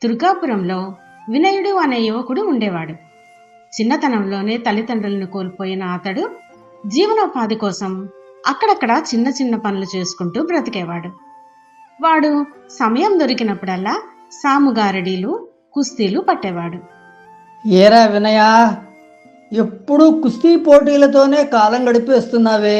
దుర్గాపురంలో వినయుడు అనే యువకుడు ఉండేవాడు. చిన్నతనంలోనే తల్లిదండ్రులను కోల్పోయిన అతడు జీవనోపాధి కోసం అక్కడక్కడ చిన్న చిన్న పనులు చేసుకుంటూ బ్రతికేవాడు. వాడు సమయం దొరికినప్పుడల్లా సాముగారడీలు, కుస్తీలు పట్టేవాడు. ఏరా వినయా, ఎప్పుడూ కుస్తీ పోటీలతోనే కాలం గడిపేస్తున్నావే.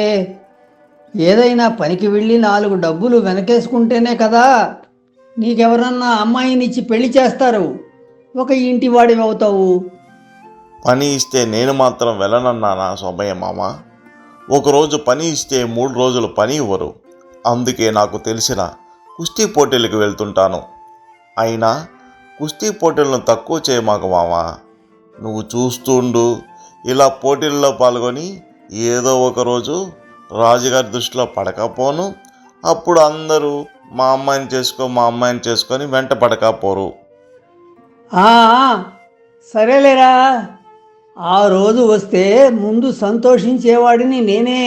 ఏదైనా పనికి వెళ్ళి 4 డబ్బులు వెనకేసుకుంటేనే కదా నీకెవరన్నా అమ్మాయినిచ్చి పెళ్లి చేస్తారు. ఒక ఇంటి వాడివి అవుతావు. పని ఇస్తే నేను మాత్రం వెళ్ళనన్నానా సోమయ్య మామ? ఒకరోజు పని ఇస్తే 3 రోజులు పని ఇవ్వరు. అందుకే నాకు తెలిసిన కుస్తీ పోటీలకు వెళ్తుంటాను. అయినా కుస్తీ పోటీలను తక్కువ చేయమాకు మామ. నువ్వు చూస్తుండు, ఇలా పోటీల్లో పాల్గొని ఏదో ఒకరోజు రాజుగారి దృష్టిలో పడకపోను. అప్పుడు అందరూ మా అమ్మాయిని చేసుకొని వెంట పడకపోరు. ఆ, సరేలేరా, ఆ రోజు వస్తే ముందు సంతోషించేవాడిని నేనే.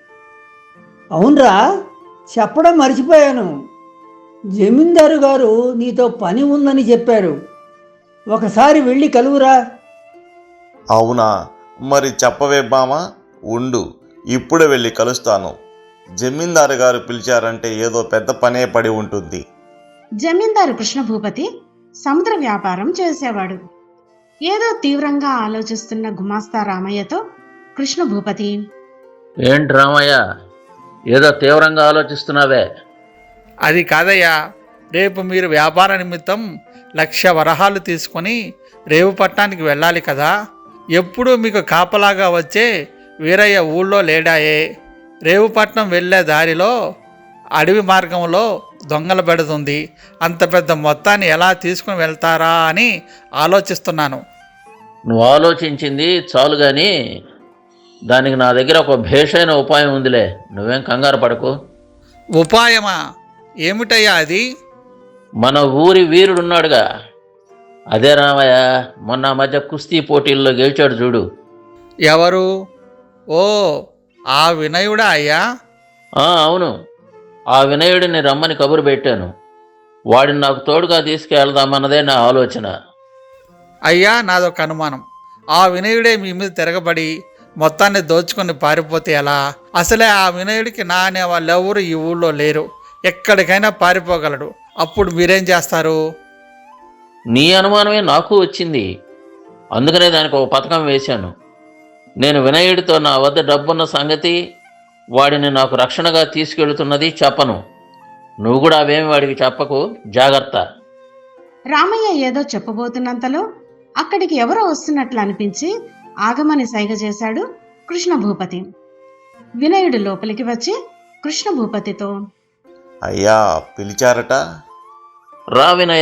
అవునరా, చెప్పడం మర్చిపోయాను. జమీందారు గారు నీతో పని ఉందని చెప్పారు. ఒకసారి వెళ్ళి కలువురా. అవునా? మరి చెప్పవే బామా, ఉండు, ఇప్పుడే వెళ్ళి కలుస్తాను. జమీందారు గారు పిలిచారంటే ఏదో పెద్ద పనే పడి ఉంటుంది. జమీందారు కృష్ణభూపతి సముద్ర వ్యాపారం చేసేవాడు. ఏదో తీవ్రంగా ఆలోచిస్తున్న గుమాస్తా రామయ్యతో కృష్ణభూపతి, ఏంటి రామయ్య, ఏదో తీవ్రంగా ఆలోచిస్తున్నావే? అది కాదయ్యా, రేపు మీరు వ్యాపార నిమిత్తం 1,00,000 వరహాలు తీసుకొని రేవు పట్టణానికి వెళ్ళాలి కదా. ఎప్పుడూ మీకు కాపలాగా వచ్చే వీరయ్య ఊళ్ళో లేడాయే. రేవుపట్నం వెళ్ళే దారిలో అడవి మార్గంలో దొంగల పెడుతుంది. అంత పెద్ద మొత్తాన్ని ఎలా తీసుకుని వెళ్తారా అని ఆలోచిస్తున్నాను. నువ్వు ఆలోచించింది చాలు కానీ దానికి నా దగ్గర ఒక భేషైన ఉపాయం ఉందిలే, నువ్వేం కంగారు పడకు. ఉపాయమా? ఏమిటయ్యా అది? మన ఊరి వీరుడున్నాడుగా, అదే రామయ్య, మొన్న మధ్య కుస్తీ పోటీల్లో గెలిచాడు చూడు. ఎవరు? ఓ, ఆ వినయుడా అయ్యా? అవును, ఆ వినయుడిని రమ్మని కబురు పెట్టాను. వాడిని నాకు తోడుగా తీసుకెళ్దామన్నదే నా ఆలోచన. అయ్యా, నాదొక అనుమానం. ఆ వినయుడే మీ మీద తిరగబడి మొత్తాన్ని దోచుకొని పారిపోతే ఎలా? అసలే ఆ వినయుడికి నా అనే వాళ్ళు ఎవరు ఈ ఊళ్ళో లేరు. ఎక్కడికైనా పారిపోగలడు. అప్పుడు మీరేం చేస్తారు? నీ అనుమానమే నాకు వచ్చింది. అందుకనే దానికి ఒక పథకం వేశాను. నేను వినయుడితో నా వద్ద డబ్బున్న సంగతి, వాడిని నాకు రక్షణగా తీసుకెళ్తున్నది చెప్పను. నువ్వు కూడా అవేమి వాడికి చెప్పకు, జాగ్రత్త. రామయ్య ఏదో చెప్పబోతున్నంతలో అక్కడికి ఎవరో వస్తున్నట్లు అనిపించి ఆగమని సైగ చేశాడు కృష్ణభూపతి. వినయుడు లోపలికి వచ్చి కృష్ణభూపతితో, అయ్యా పిలిచారట? రా వినయ,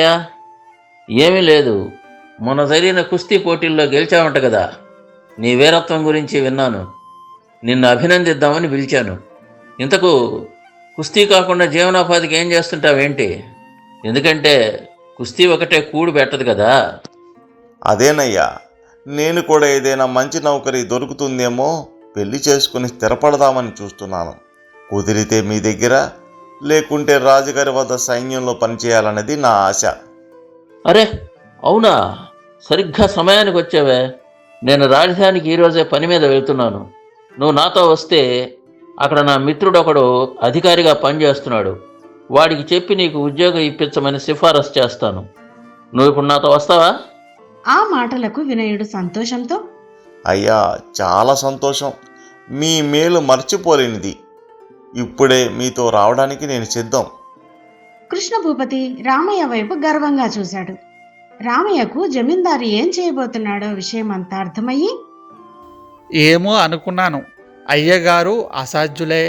ఏమీ లేదు, మొన్న జరిగిన కుస్తీ పోటీల్లో గెలిచావంట కదా. నీ వీరత్వం గురించి విన్నాను, నిన్ను అభినందిద్దామని పిలిచాను. ఇంతకు కుస్తీ కాకుండా జీవనోపాధికి ఏం చేస్తుంటావేంటి? ఎందుకంటే కుస్తీ ఒకటే కూడు పెట్టదు కదా. అదేనయ్యా, నేను కూడా ఏదైనా మంచి నౌకరీ దొరుకుతుందేమో పెళ్లి చేసుకుని స్థిరపడదామని చూస్తున్నాను. కుదిరితే మీ దగ్గర, లేకుంటే రాజుగారి వద్ద సైన్యంలో పనిచేయాలన్నది నా ఆశ. అరే అవునా, సరిగ్గా సమయానికి వచ్చావే. నేను రాజధానికి ఈరోజే పని మీద వెళ్తున్నాను. నువ్వు నాతో వస్తే అక్కడ నా మిత్రుడు ఒకడు అధికారిగా పనిచేస్తున్నాడు. వాడికి చెప్పి నీకు ఉద్యోగం ఇప్పించమని సిఫారసు చేస్తాను. నువ్వు ఇప్పుడు నాతో వస్తావా? ఆ మాటలకు వినయుడు సంతోషంతో, అయ్యా చాలా సంతోషం, మీ మేలు మర్చిపోలేనిది. ఇప్పుడే మీతో రావడానికి నేను సిద్ధం. కృష్ణభూపతి రామయ్య వైపు గర్వంగా చూశాడు. రామయ్యకు జమీందారు ఏం చేయబోతున్నాడో విషయం అంతా అర్థమయ్యి, ఏమో అనుకున్నాను, అయ్యగారు అసాధ్యులే.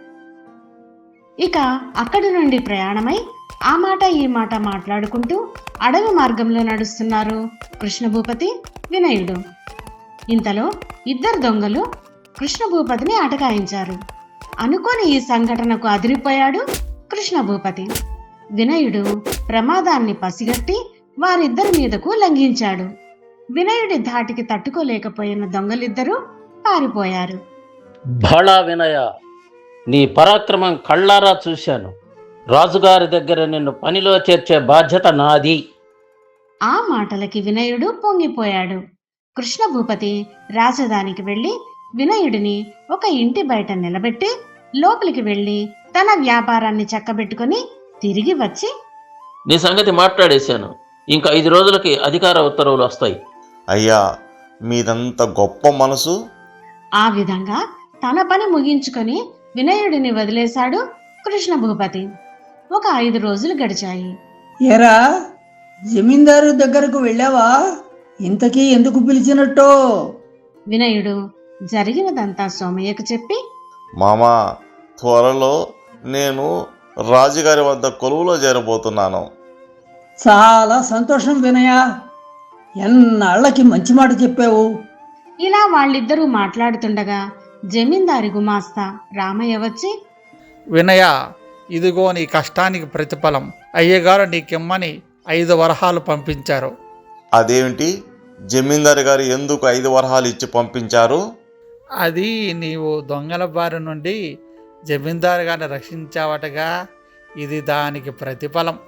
ఇక అక్కడి నుండి ప్రయాణమై ఆ మాట ఈ మాట మాట్లాడుకుంటూ అడవి మార్గంలో నడుస్తున్నారు కృష్ణభూపతి, వినయుడు. ఇంతలో 2 దొంగలు కృష్ణభూపతిని అటకాయించారు. అనుకోని ఈ సంఘటనకు అదిరిపోయాడు కృష్ణభూపతి. వినయుడు ప్రమాదాన్ని పసిగట్టి వారిద్దరి మీదకు లంఘించాడు. వినయుడి ధాటికి తట్టుకోలేకపోయిన దొంగలిద్దరూ పారిపోయారు. భళా వినయ, నీ పరాక్రమం కళ్ళారా చూశాను. రాజుగారి దగ్గర నిన్ను పనిలో చేర్చే బాధ్యత నాది. ఆ మాటలకి వినయుడు పొంగిపోయాడు. కృష్ణ భూపతి రాజధానికి వెళ్ళి వినయుడిని ఒక ఇంటి బయట నిలబెట్టి లోపలికి వెళ్ళి తన వ్యాపారాన్ని చక్కబెట్టుకుని తిరిగి వచ్చి, నీ సంగతి మాట్లాడేశాను. ఇంకా 5 రోజులకి అధికార ఉత్తర్వులు వస్తాయి. అయ్యా, మీదంత గొప్ప మనసు. ఆ విధంగా తన పని ముగించుకొని వినయుడిని వదిలేశాడు కృష్ణ భూపతి. ఒక 5 రోజులు గడిచాయి. ఏరా, జమీందారు దగ్గరకు వెళ్ళావా? ఇంతకీ ఎందుకు పిలిచినట్టో? వినయుడు జరిగినదంతా సోమయ్యకు చెప్పి, మామా, త్వరలో నేను రాజుగారి వద్ద కొలువులో చేరబోతున్నాను. చాలా సంతోషం వినయ, ఎన్నాళ్ళకి మంచి మాట చెప్పావు. ఇలా వాళ్ళిద్దరూ మాట్లాడుతుండగా జమీందారి గుమాస్తా రామయ్య వచ్చి, వినయ, ఇదిగో నీ కష్టానికి ప్రతిఫలం. అయ్యగారు నీకిమ్మని 5 వరహాలు పంపించారు. అదేమిటి? జమీందారు గారు ఎందుకు 5 వరహాలు ఇచ్చి పంపించారు? అది నీవు దొంగల బారి నుండి జమీందారు గారిని రక్షించావటగా, ఇది దానికి ప్రతిఫలం.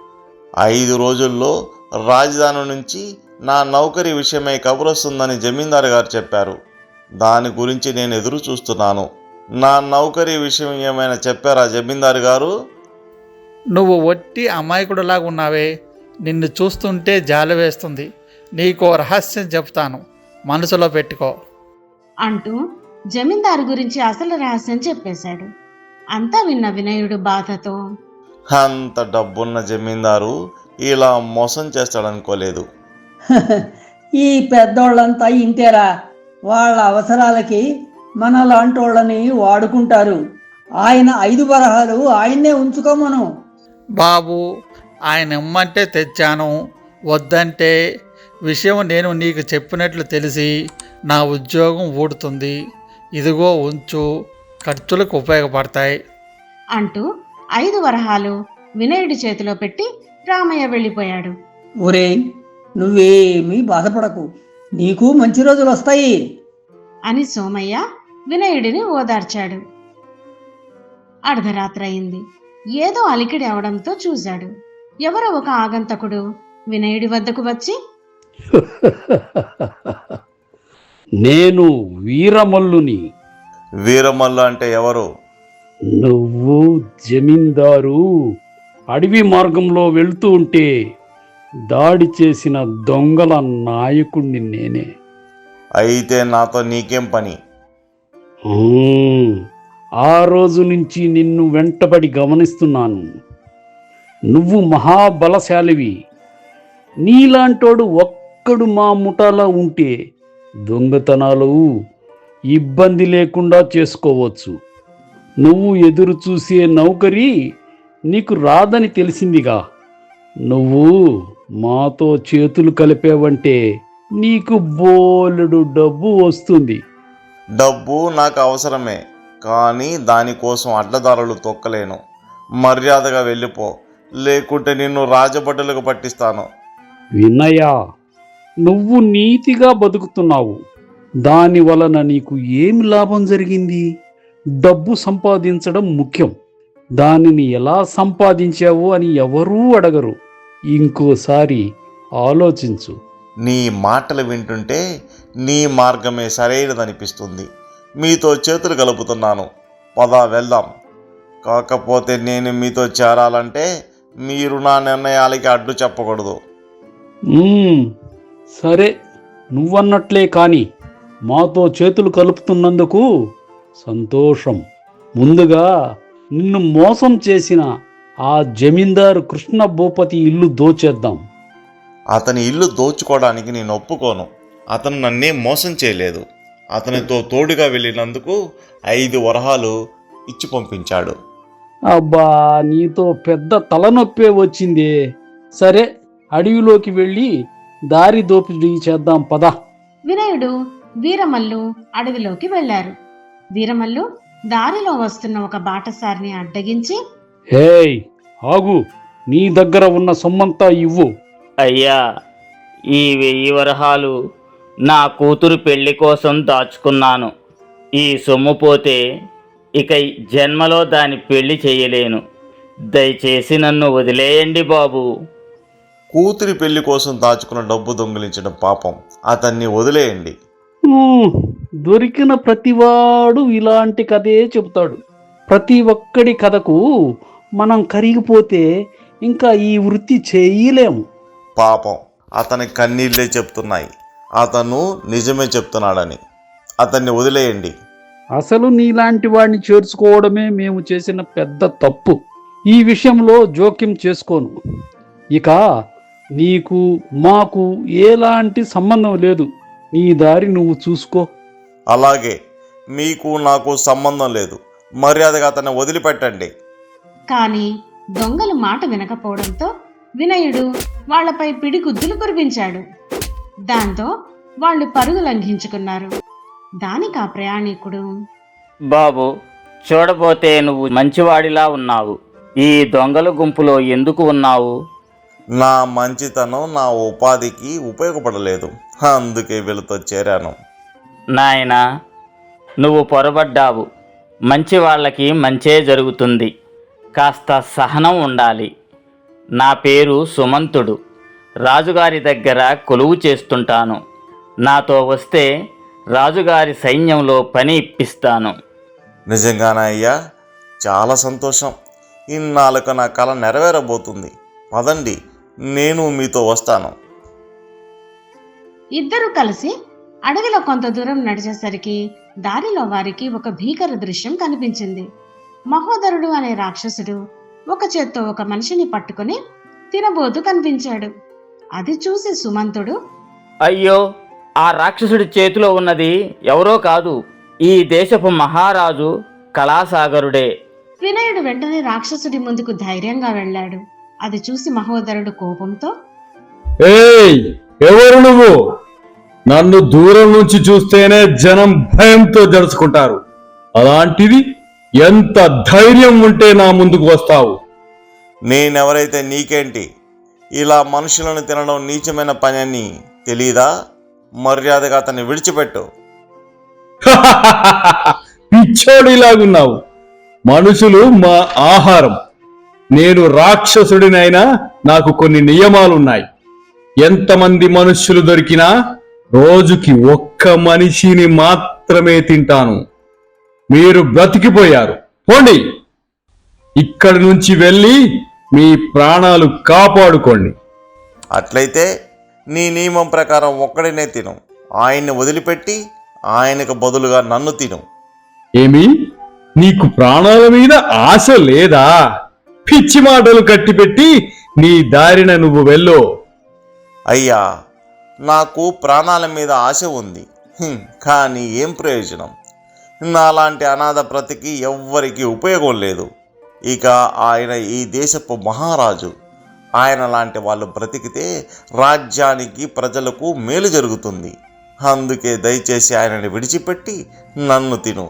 5 రోజుల్లో రాజధాని నుంచి నా నౌకరీ విషయమై కబురొస్తుందని జమీందారు గారు చెప్పారు. దాని గురించి నేను ఎదురు చూస్తున్నాను. నా నౌకరీ విషయం ఏమైనా చెప్పారా జమీందారు గారు? నువ్వు ఒట్టి అమాయకుడిలాగా ఉన్నావే, నిన్ను చూస్తుంటే జాలి వేస్తుంది. నీకో రహస్యం చెప్తాను, మనసులో పెట్టుకో అంటూ జమీందారు గురించి అసలు రహస్యం చెప్పేశాడు. అంతా విన్న వినయుడు బాధతో, అంత డబ్బున్న జమీందారు ఇలా మోసం చేస్తాడనుకోలేదు. ఈ పెద్దోళ్ళంతా ఇంతేరా, వాళ్ళ అవసరాలకి మనలాంటోళ్ళని వాడుకుంటారు. ఆయన 5 వరహాలు ఆయన్నే ఉంచుకోమను. బాబు, ఆయన ఇమ్మంటే తెచ్చాను, వద్దంటే విషయం నేను నీకు చెప్పినట్లు తెలిసి నా ఉద్యోగం ఊడుతుంది. ఇదిగో ఉంచు, ఖర్చులకు ఉపయోగపడతాయి అంటూ 5 వరహాలు వినయుడి చేతిలో పెట్టి రామయ్య వెళ్ళిపోయాడు. ఒరేయ్, నువ్వేమీ బాధపడకు, నీకు మంచి రోజులు వస్తాయి అని సోమయ్య వినయుడిని ఓదార్చాడు. అర్ధరాత్రి అయింది. ఏదో అలికిడి అవడంతో చూశాడు. ఎవరో ఒక ఆగంతకుడు వినయుడి వద్దకు వచ్చి, నేను వీరమల్లుని. వీరమల్లు అంటే ఎవరు? నువ్వు జమీందారు అడవి మార్గంలో వెళ్తూ ఉంటే దాడి చేసిన దొంగల నాయకుణ్ణి నేనే. అయితే నాతో నీకేం పని? ఆ రోజు నుంచి నిన్ను వెంటబడి గమనిస్తున్నాను. నువ్వు మహాబలశాలివి. నీలాంటోడు ఒక్కడు మా ముఠాలో ఉంటే దొంగతనాలు ఇబ్బంది లేకుండా చేసుకోవచ్చు. నువ్వు ఎదురు చూసే నౌకరీ నీకు రాదని తెలిసిందిగా. నువ్వు మాతో చేతులు కలిపేవంటే నీకు బోలెడు డబ్బు వస్తుంది. డబ్బు నాకు అవసరమే, కానీ దానికోసం అడ్డదారులు తొక్కలేను. మర్యాదగా వెళ్ళిపో, లేకుంటే నిన్ను రాజభటులకు పట్టిస్తాను. వినయ, నువ్వు నీతిగా బతుకుతున్నావు. దాని వలన నీకు ఏమి లాభం జరిగింది? డబ్బు సంపాదించడం ముఖ్యం. దానిని ఎలా సంపాదించావు అని ఎవరూ అడగరు. ఇంకోసారి ఆలోచించు. నీ మాటలు వింటుంటే నీ మార్గమే సరైనదనిపిస్తుంది. మీతో చేతులు కలుపుతున్నాను. పద వెళ్దాం. కాకపోతే నేను మీతో చేరాలంటే మీరు నా నిర్ణయాలకి అడ్డు చెప్పకూడదు. సరే, నువ్వన్నట్లే కాని మాతో చేతులు కలుపుతున్నందుకు సంతోషం. ముందుగా నిన్ను మోసం చేసిన ఆ జమీందారు కృష్ణ భూపతి ఇల్లు దోచేద్దాం. అతని ఇల్లు దోచుకోవడానికి నేను ఒప్పుకోను. అతను నన్నే మోసం చేయలేదు. అతనితో తోడుగా వెళ్ళినందుకు 5 వరహాలు ఇచ్చి పంపించాడు. అబ్బా, నీతో పెద్ద తలనొప్పే వచ్చిందే. సరే, అడవిలోకి వెళ్ళి దారి దోపిడీ చేద్దాం, పద. వినయుడు వీరమల్లు అడవిలోకి వెళ్లారు. వీరమల్లు దారిలో వస్తున్న ఒక బాటసారిని అడ్డగించి, హేయ్, ఆగు, నీ దగ్గర ఉన్న సొమ్మంతా ఇవ్వు. అయ్యా, ఈ 1000 వరహాలు నా కూతురు పెళ్లి కోసం దాచుకున్నాను. ఈ సొమ్ము పోతే ఇక జన్మలో దాని పెళ్లి చేయలేను. దయచేసి నన్ను వదిలేయండి బాబు. కూతురి పెళ్లి కోసం దాచుకున్న డబ్బు దొంగిలించడం పాపం. అతన్ని వదిలేయండి. దొరికిన ప్రతివాడు ఇలాంటి కథే చెబుతాడు. ప్రతి ఒక్కడి కథకు మనం కరిగిపోతే ఇంకా ఈ వృత్తి చేయలేము. పాపం, అతని కన్నీళ్ళే చెప్తున్నాయి అతను నిజమే చెప్తున్నాడని. అతన్ని వదిలేయండి. అసలు నీలాంటి వాడిని చేర్చుకోవడమే మేము చేసిన పెద్ద తప్పు. ఈ విషయంలో జోక్యం చేసుకోను. ఇక నీకు మాకు ఎలాంటి సంబంధం లేదు. నీ దారి నువ్వు చూసుకో. అలాగే, మీకు నాకు సంబంధం లేదు. మర్యాదగా అతన్ని వదిలిపెట్టండి. కాని దొంగలు మాట వినకపోవడంతో వినయుడు వాళ్లపై పిడిగుద్దులు కురిపించాడు. దాంతో వాళ్ళు పరుగు లంఘించుకున్నారు. దానికి ఆ ప్రయాణికుడు, బాబు, చూడబోతే నువ్వు మంచివాడిలా ఉన్నావు. ఈ దొంగల గుంపులో ఎందుకు ఉన్నావు? నా మంచితనం నా ఉపాధికి ఉపయోగపడలేదు, అందుకే వీళ్ళతో చేరాను. నాయనా, నువ్వు పొరబడ్డావు. మంచి వాళ్ళకి మంచే జరుగుతుంది. కాస్త సహనం ఉండాలి. నా పేరు సుమంతుడు. రాజుగారి దగ్గర కొలువు చేస్తుంటాను. నాతో వస్తే రాజుగారి సైన్యంలో పని ఇప్పిస్తాను. నిజంగానే అయ్యా, చాలా సంతోషం. ఇన్నాళ్ళకు నా కల నెరవేరబోతుంది. పదండి, నేను మీతో వస్తాను. ఇద్దరూ కలిసి అడవిలో కొంత దూరం నడిచేసరికి దారిలో వారికి ఒక భీకర దృశ్యం కనిపించింది. మహోదరుడు అనే రాక్షసుడు ఒక చేత్తో ఒక మనిషిని పట్టుకుని తినబోతూ కనిపించాడు. అది చూసి సుమంతుడు, అయ్యో, ఆ రాక్షసుడి చేతిలో ఉన్నది ఎవరో కాదు, ఈ దేశపు మహారాజు కళాసాగరుడే. వినయుడు వెంటనే రాక్షసుడి ముందుకు ధైర్యంగా వెళ్ళాడు. అది చూసి మహోదరుడు కోపంతో, ఏయ్, ఎవరు నువ్వు? నన్ను దూరం నుంచి చూస్తేనే జనం భయంతో జరుచుకుంటారు. అలాంటిది ఎంత ధైర్యం ఉంటే నా ముందుకు వస్తావు? నేనెవరైతే నీకేంటి? ఇలా మనుషులను తినడం నీచమైన పని అని తెలీదా? మర్యాదగా అతన్ని విడిచిపెట్టు. పిచ్చోడిలాగున్నావు. మనుషులు మా ఆహారం. నేను రాక్షసుడినైనా నాకు కొన్ని నియమాలున్నాయి. ఎంతమంది మనుష్యులు దొరికినా రోజుకి ఒక్క మనిషిని మాత్రమే తింటాను. మీరు బ్రతికిపోయారు. పోండి, ఇక్కడి నుంచి వెళ్ళి మీ ప్రాణాలు కాపాడుకోండి. అట్లయితే నీ నియమం ప్రకారం ఒక్కడినే తిను. ఆయన్ని వదిలిపెట్టి ఆయనకు బదులుగా నన్ను తిను. ఏమి, నీకు ప్రాణాల మీద ఆశ లేదా? పిచ్చి మాటలు కట్టిపెట్టి నీ దారిన నువ్వు వెళ్ళు. అయ్యా, నాకు ప్రాణాల మీద ఆశ ఉంది, కానీ ఏం ప్రయోజనం? నాలాంటి అనాథ బ్రతికి ఎవ్వరికీ ఉపయోగం లేదు. ఇక ఆయన ఈ దేశపు మహారాజు. ఆయన లాంటి వాళ్ళు బ్రతికితే రాజ్యానికి ప్రజలకు మేలు జరుగుతుంది. అందుకే దయచేసి ఆయనని విడిచిపెట్టి నన్ను తిను.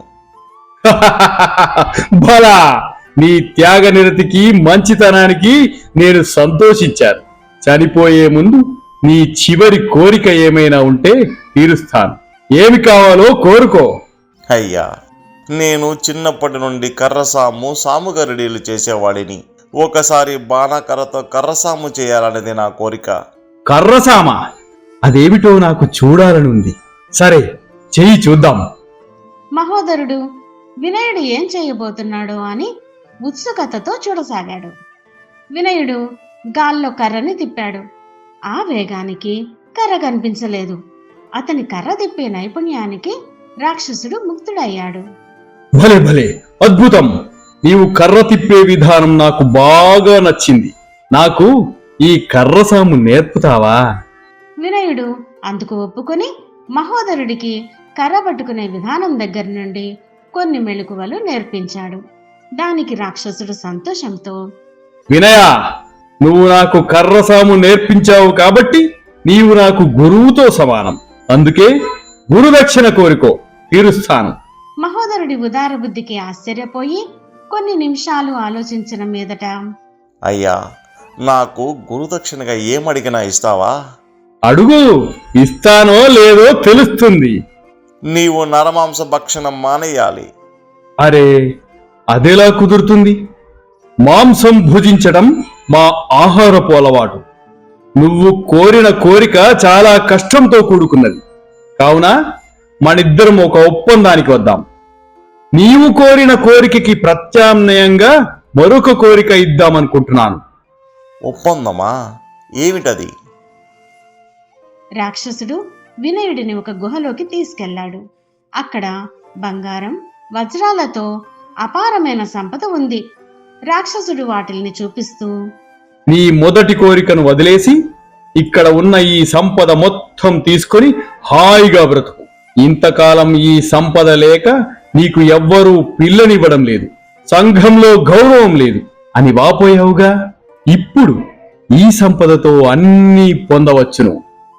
బలా, నీ త్యాగ నిరతికి మంచితనానికి నేను సంతోషించాను. చనిపోయే ముందు నీ చివరి కోరిక ఏమైనా ఉంటే తీరుస్తాను. ఏమి కావాలో కోరుకో. అయ్యా, నేను చిన్నప్పటి నుండి కర్రసాము, సాముగరిడీలు చేసేవాడిని. ఒకసారి బాణాకర్రతో కర్రసాము చేయాలనేది నా కోరిక. కర్రసామా? అదేమిటో నాకు చూడాలనుంది. సరే, చెయ్యి చూద్దాం. మహోదరుడు వినయుడు ఏం చేయబోతున్నాడో అని ఉత్సుకతతో చూడసాగాడు. వినయుడు గాల్లో కర్రని తిప్పాడు. ఆ వేగానికి కర్ర కనిపించలేదు. అతని కర్ర తిప్పే నైపుణ్యానికి రాక్షసుడు ముక్తుడయ్యాడు. భలే భలే, అద్భుతం! నీవు కర్ర తిప్పే విధానం నాకు బాగా నచ్చింది. నాకు ఈ కర్రసాము నేర్పుతావా? వినయుడు అందుకు ఒప్పుకొని మహోదరుడికి కర్ర పట్టుకునే విధానం దగ్గర నుండి కొన్ని మెళుకువలు నేర్పించాడు. దానికి రాక్షసుడు సంతోషంతో, వినయ, నువ్వు నాకు కర్రసాము నేర్పించావు కాబట్టి నీవు నాకు గురువుతో సమానం. అందుకే గురుదక్షిణ కోరుకో, తీరుస్తాను. మహోదరుడి ఉదార బుద్ధికి ఆశ్చర్యపోయి కొన్ని నిమిషాలు ఆలోచించిన మీదట, అయ్యా, నాకు గురుదక్షిణగా ఏమడిగినా ఇస్తావా? అడుగు, ఇస్తానో లేదో తెలుస్తుంది. నీవు నరమాంస భక్షణం మానేయాలి. అరే, అదెలా కుదురుతుంది? మాంసం భుజించడం మా ఆహారపు అలవాటు. నువ్వు కోరిన కోరిక చాలా కష్టంతో కూడుకున్నది. కావున మనిద్దరం ఒక ఒప్పందానికి వద్దాం. నీవు కోరిన కోరికకి ప్రత్యామ్నాయంగా మరొక కోరిక ఇద్దామనుకుంటున్నాను. ఒప్పందమా? ఏమిటది? రాక్షసుడు వినయుడిని ఒక గుహలోకి తీసుకెళ్లాడు. అక్కడ బంగారం, వజ్రాలతో అపారమైన సంపద ఉంది. రాక్షసుడు వాటిల్ని చూపిస్తూ, నీ మొదటి కోరికను వదిలేసి ఇక్కడ ఉన్న ఈ సంపద మొత్తం తీసుకొని హాయిగా బ్రతుకు. ఇంతకాలం ఈ సంపద లేక నీకు ఎవ్వరూ పిల్లనివ్వడం లేదు, సంఘంలో గౌరవం లేదు అని వాపోయావుగా. ఇప్పుడు ఈ సంపదతో అన్నీ పొందవచ్చును.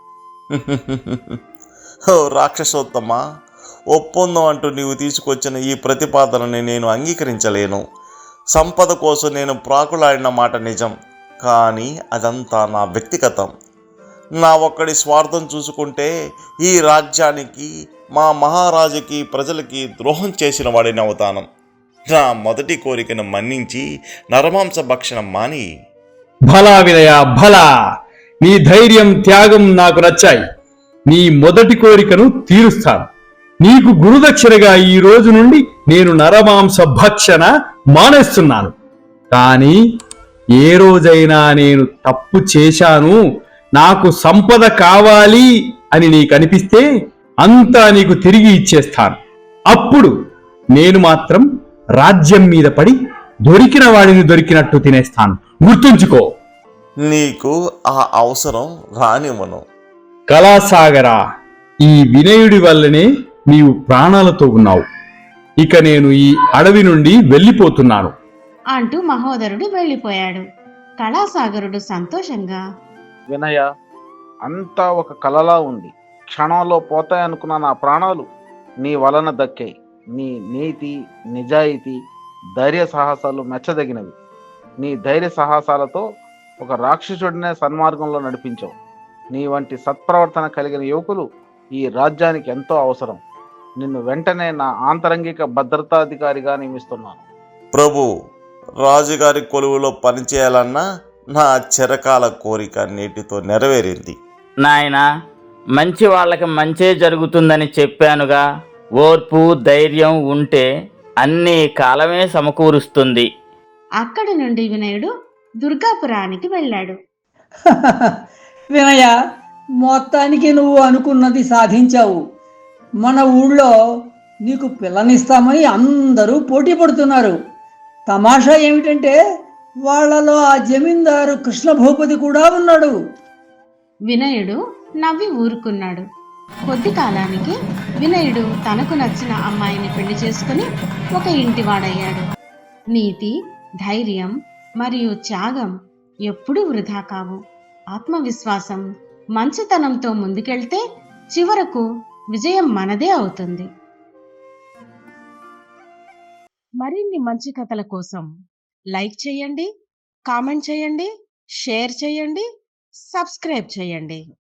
ఓ రాక్షసోత్తమా, ఒప్పందం అంటూ నీవు తీసుకొచ్చిన ఈ ప్రతిపాదనని నేను అంగీకరించలేను. సంపద కోసం నేను ప్రాకులాడిన మాట నిజం, కానీ అదంతా నా వ్యక్తిగతం. నా ఒక్కడి స్వార్థం చూసుకుంటే ఈ రాజ్యానికి, మా మహారాజుకి, ప్రజలకి ద్రోహం చేసిన వాడిని అవుతాను. నా మొదటి కోరికను మన్నించి నరమాంస భక్షణం మాని. భలా వినయ, భలా! నీ ధైర్యం, త్యాగం నాకు నచ్చాయి. నీ మొదటి కోరికను తీరుస్తాను. నీకు గురుదక్షిణగా ఈ రోజు నుండి నేను నరమాంస భక్షణ మానేస్తున్నాను. కానీ ఏ రోజైనా నేను తప్పు చేశాను, నాకు సంపద కావాలి అని నీకు అనిపిస్తే అంతా నీకు తిరిగి ఇచ్చేస్తాను. అప్పుడు నేను మాత్రం రాజ్యం మీద పడి దొరికిన వాడిని దొరికినట్టు తినేస్తాను. గుర్తుంచుకో. నీకు ఆ అవసరం రానివ్వను. కళాసాగరా, ఈ వినయుడి వల్లనే నీవు ప్రాణాలతో ఉన్నావు. ఇక నేను ఈ అడవి నుండి వెళ్ళిపోతున్నాను అంటూ మహోదరుడు వెళ్ళిపోయాడు. కళాసాగరుడు సంతోషంగా, వినయ, అంతా ఒక కలలా ఉంది. క్షణంలో పోతాయనుకున్న నా ప్రాణాలు నీ వలన దక్కాయి. నీ నీతి, నిజాయితీ, ధైర్య సాహసాలు మెచ్చదగినవి. నీ ధైర్య సాహసాలతో ఒక రాక్షసుడినే సన్మార్గంలో నడిపించావు. నీ వంటి సత్ప్రవర్తన కలిగిన యువకులు ఈ రాజ్యానికి ఎంతో అవసరం. నిన్ను వెంటనే నా ఆంతరంగిక భద్రతాధికారిగా నియమిస్తున్నాను. ప్రభు, రాజుగారి కొలువులో పనిచేయాలన్న నా చిరకాల కోరిక నేటితో నెరవేరింది. నాయనా, మంచి వాళ్ళకి మంచే జరుగుతుందని చెప్పానుగా. ఓర్పు, ధైర్యం ఉంటే అన్నీ కాలమే సమకూరుస్తుంది. అక్కడి నుండి వినయుడు దుర్గాపురానికి వెళ్ళాడు. వినయ, మొత్తానికి నువ్వు అనుకున్నది సాధించావు. మన ఊళ్ళో నీకు పిల్లనిస్తామని అందరూ పోటీ పడుతున్నారు. తమాషా ఏమిటంటే వాళ్ళలో ఆ జమీందారు కృష్ణభూపతి కూడా ఉన్నాడు. వినయుడు నవ్వి ఊరుకున్నాడు. కొద్ది కాలానికి వినయుడు తనకు నచ్చిన అమ్మాయిని పెళ్లి చేసుకుని ఒక ఇంటివాడయ్యాడు. నీతి, ధైర్యం మరియు త్యాగం ఎప్పుడూ వృధా కావు. ఆత్మవిశ్వాసం, మంచితనంతో ముందుకెళ్తే చివరకు విజయం మనదే అవుతుంది. మరిన్ని మంచి కథల కోసం లైక్ చేయండి, కామెంట్ చేయండి, షేర్ చేయండి, సబ్స్క్రైబ్ చేయండి.